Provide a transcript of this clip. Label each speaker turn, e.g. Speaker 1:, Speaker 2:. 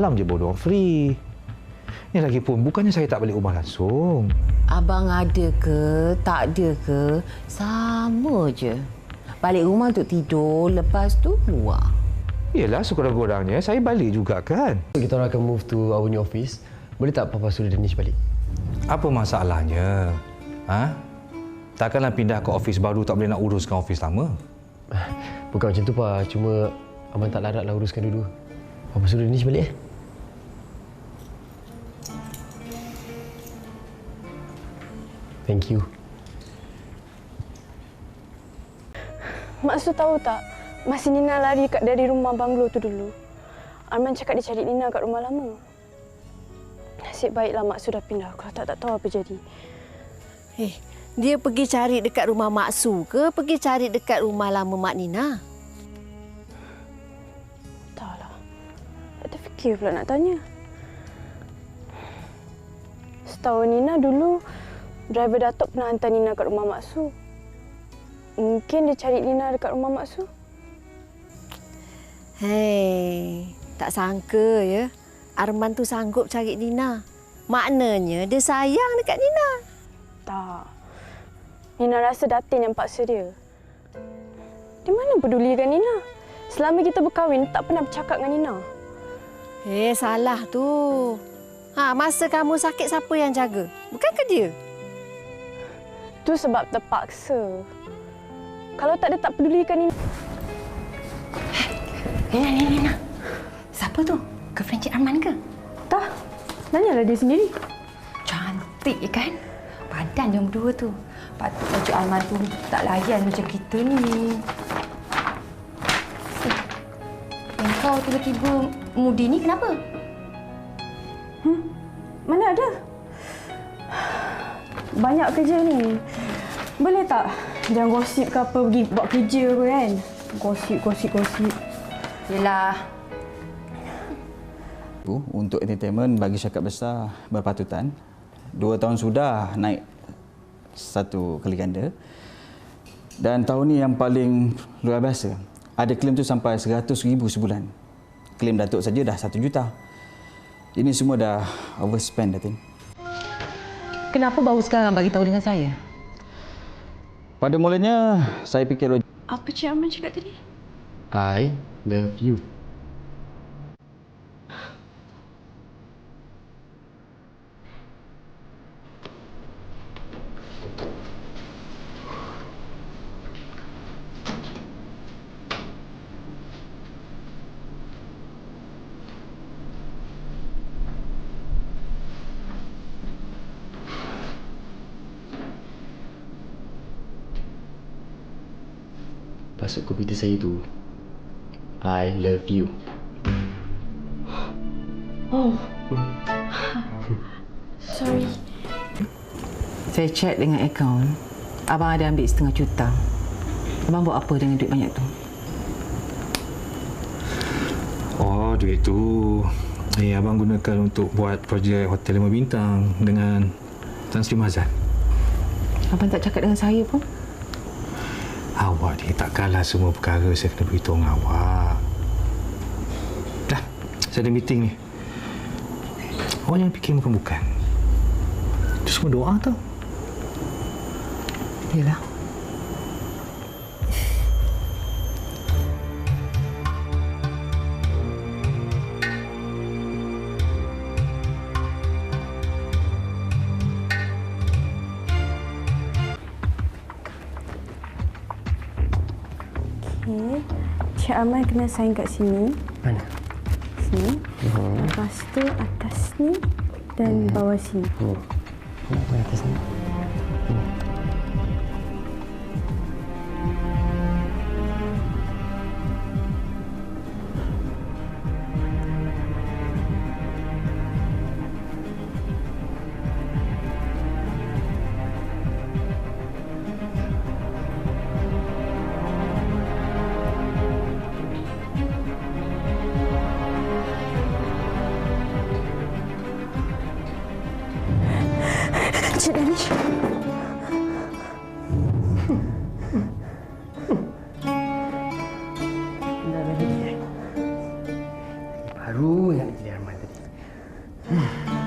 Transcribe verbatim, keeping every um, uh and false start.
Speaker 1: malam je baru orang free. Ni lagi pun bukannya saya tak balik rumah langsung.
Speaker 2: Abang ada ke, tak ada ke, sama je. Balik rumah untuk tidur, lepas tu keluar.
Speaker 1: Yelah, sekurang-kurangnya saya balik juga kan.
Speaker 3: Kita orang akan move to our new office. Boleh tak Papa suruh Danish balik?
Speaker 1: Apa masalahnya? Ha? Takkanlah pindah ke office baru tak boleh nak uruskan office lama?
Speaker 3: Bukan macam tu, Pak. Cuma Abang tak laratlah uruskan dulu. Papa suruh Danish balik, eh? Thank you.
Speaker 4: Mak Su tahu tak, masa Nina lari kat dari rumah banglo tu dulu, Arman cakap dia cari Nina kat rumah lama. Nasib baiklah Mak Su dah pindah. Kalau tak, tak tahu apa jadi.
Speaker 2: Eh, dia pergi cari dekat rumah Mak Su ke pergi cari dekat rumah lama Mak Nina?
Speaker 4: Entahlah. Tak terfikir pula nak tanya. Setahu Nina dulu, driver Datuk pernah hantar Nina kat rumah Mak Su. Mungkin dia cari Nina dekat rumah Mak Su.
Speaker 2: Hei, tak sangka ya. Arman tu sanggup cari Nina. Maknanya dia sayang dekat Nina.
Speaker 4: Tak. Nina rasa Datin yang paksa dia. Dia mana pedulikan Nina? Selama kita berkahwin, tak pernah bercakap dengan Nina.
Speaker 2: Eh, salah tu. Ha, masa kamu sakit, siapa yang jaga? Bukankah dia?
Speaker 4: Tu sebab terpaksa. Kalau tak, dia tak pedulikan Nina.
Speaker 5: Nina, Nina, Nina. Siapa tu? Girlfriend Cik Arman ke?
Speaker 4: Tak. Tanyalah dia sendiri.
Speaker 5: Cantik kan? Badan dia berdua tu. Patutlah Cik Arman tu tak layan macam kita ni. Eh, yang kau tiba-tiba mudi ni kenapa?
Speaker 4: Hmm? Mana ada? Banyak kerja ni. Boleh tak? Jangan gosip ke apa, pergi buat kerja apa kan? Gosip, gosip, gosip.
Speaker 5: Yelah.
Speaker 6: Untuk entertainment bagi syarikat besar berpatutan. Dua tahun sudah naik satu kali ganda. Dan tahun ni yang paling luar biasa. Ada klaim tu sampai seratus ribu sebulan. Klaim Datuk saja dah satu juta. Ini semua dah overspend, Datin.
Speaker 5: Kenapa baru sekarang bagi tahu dengan saya?
Speaker 6: Pada mulanya, saya fikir...
Speaker 4: Apa Cik Arman cakap tadi?
Speaker 3: I love you. Pasuk komputer saya tu, I love you.
Speaker 4: Oh. Sorry.
Speaker 5: Saya cek dengan akaun. Abang ada ambil setengah juta. Abang buat apa dengan duit banyak tu?
Speaker 1: Oh, duit tu. Eh, abang gunakan untuk buat projek hotel lima bintang dengan Tan Sri Mazan.
Speaker 5: Abang tak cakap dengan saya pun?
Speaker 1: Awak ni takkanlah semua perkara saya kena beritahu dengan awak. Dah, saya ada meeting ni. Awak jangan fikir bukan-bukan. Itu semua doa tau.
Speaker 5: Yalah.
Speaker 4: Okey. Cik Arman kena sign kat sini.
Speaker 3: Mana?
Speaker 4: Sini.
Speaker 3: Oh.
Speaker 4: Lepas tu atas ni dan bawah sini.
Speaker 3: Oh. Apa atas ni? Hmm.
Speaker 4: Cik Danish.
Speaker 3: Baru ingat jadi Arman.
Speaker 6: Hmm.